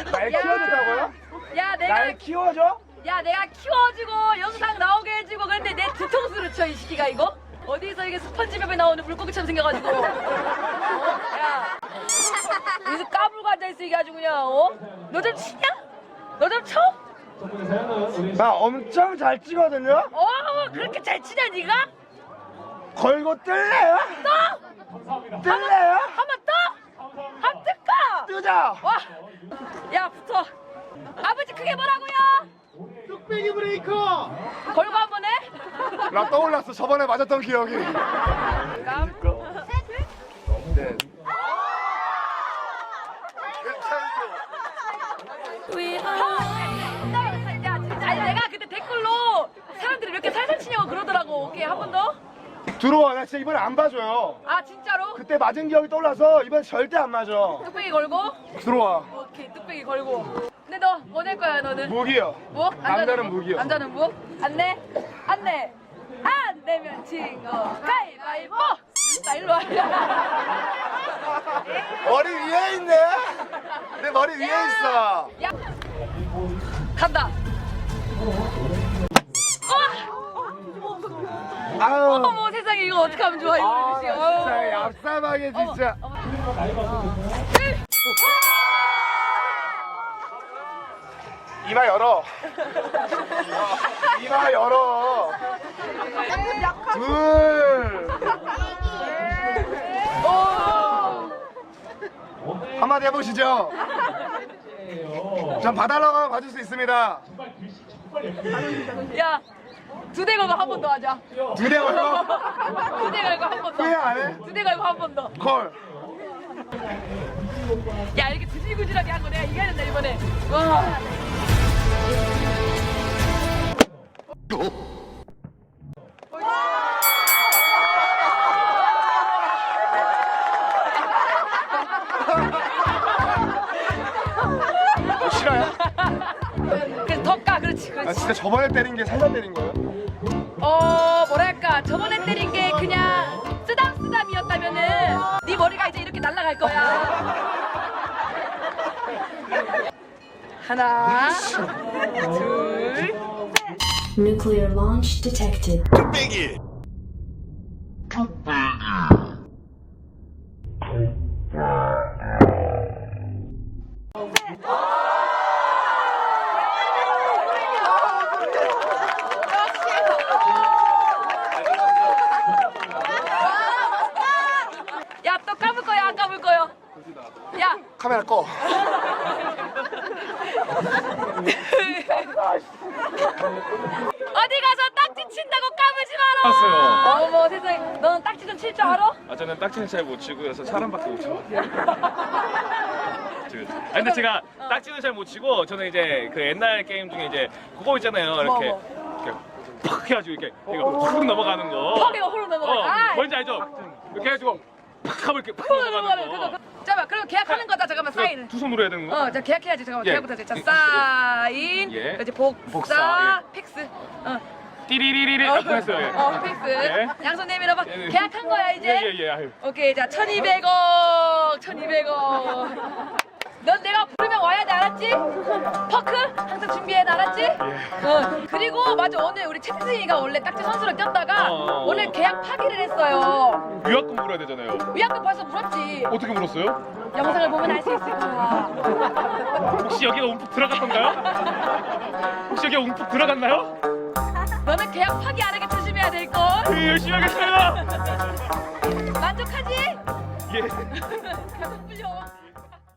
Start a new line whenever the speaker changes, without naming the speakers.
날 키워준다고요?
야 내가
날 키워줘?
야 내가 키워주고 영상 나오게 해주고 그런데 내 뒤통수를 쳐 이 시기가 이거? 어디서 이게 스펀지밥에 나오는 물고기처럼 생겨가지고 야 여기서 까불고 앉아있어 이게 아주 그냥 너 좀 치냐? 너 좀 쳐?
나 엄청 잘 치거든요?
그렇게 잘 치냐 니가?
걸고 뜰래요?
떠!
뜰래요?
한번 떠! 한번 뜰까?
뜨자!
와! 야 붙어 아버지 그게 뭐라고요?
뚝배기 브레이커!
걸고 한번 해?
나 떠올랐어. 저번에 맞았던 기억이.
깜
네.
야, 진짜. 아니 내가 그때 댓글로 사람들이 이렇게 살살 치냐고 그러더라고. 오케이 한 번 더.
들어와. 나 진짜 이번에 안 봐줘요.
아 진짜로?
그때 맞은 기억이 떠올라서 이번 절대 안 맞아.
뚝배기 걸고.
들어와.
오케이 뚝배기 걸고. 근데 너 뭐 낼 거야 너는?
무기요.
뭐?
남자는 무기요.
남자는 무? 안 내? 안 내. 안 내면 진 거. 가위바위보. 나 일로 와.
머리 위에 있네. 내 머리 위에 있어.
야. 간다.
아유.
어머 세상에 이거 어떻게 하면 좋아 이거 그치?
진짜 얍삽하게 진짜. 이마 열어. 이마 열어. 둘. 한마디 해보시죠. 전 봐달라고 하면 봐줄 수 있습니다.
야, 두 대 걸고 한 번 더 하자.
두 대 걸고
두 대 걸고 한 번 더.
후회 안 해?
두 대 걸고 한 번 더.
콜.
야, 이렇게 구질구질하게 한 거 내가 이겨야 된다 이번에. 와.
싫어요?
그래서 더 까, 그렇지,
아
그렇지.
진짜 저번에 때린 게 살살 때린 거예요?
뭐랄까 저번에 때린 게 그냥 쓰담쓰담이었다면은 네 머리가 이제 이렇게 날아갈 거야. 하나, 둘,
Nuclear launch detected.
야, 또 감을 거야, 안 감을 거야? 야,
카메라 꺼.
어디 가서 딱지 친다고 까불지 마라.
왔어요.
어머 세상에, 너는 딱지 좀 칠 줄 알아?
아 저는 딱지는 잘 못 치고 그래서 사람밖에 못 쳐. 아 근데 제가 딱지는 잘 못 치고 저는 이제 그 옛날 게임 중에 이제 그거 있잖아요. 이렇게 이렇게 팍 해가지고 이렇게 이거 훅 넘어가는 거.
턱이가 후루 넘어가.
뭔지 알죠? 이렇게 해가지고 팍 하고 이렇게 팍
후루
넘어가는
넘어가는
거.
그거. 잠깐만, 그럼 계약하는 거다. 잠깐만 사인.
두 손으로 해야 되는 거?
자 계약해야지. 잠깐만
예.
계약부터 해야지. 자 사인.
예.
이제 복사,
복사,
팩스.
띠리리리리
어,
아까 했어요. 예.
팩스.
예.
양손 내밀어봐.
예, 예.
계약한 거야 이제.
예예예. 아유.
오케이, 자 1,200억, 1,200억. 넌 내가 부르면 와야 돼, 알았지? 퍼크 항상 준비해, 알았지? 그리고 맞아, 오늘 우리 채승이가 원래 딱지 선수로 뛰었다가 오늘 계약 파기를 했어요.
유학금 물어야 되잖아요.
위약금 벌써 물었지.
어떻게 물었어요?
영상을 보면 알 수 있을 거야.
혹시 여기가 움푹 들어갔던가요? 혹시 여기가 움푹 들어갔나요?
너는 계약 파기 안 하게 조심해야 될 걸.
열심히 하겠습니다.
만족하지?
예.
계속 불려.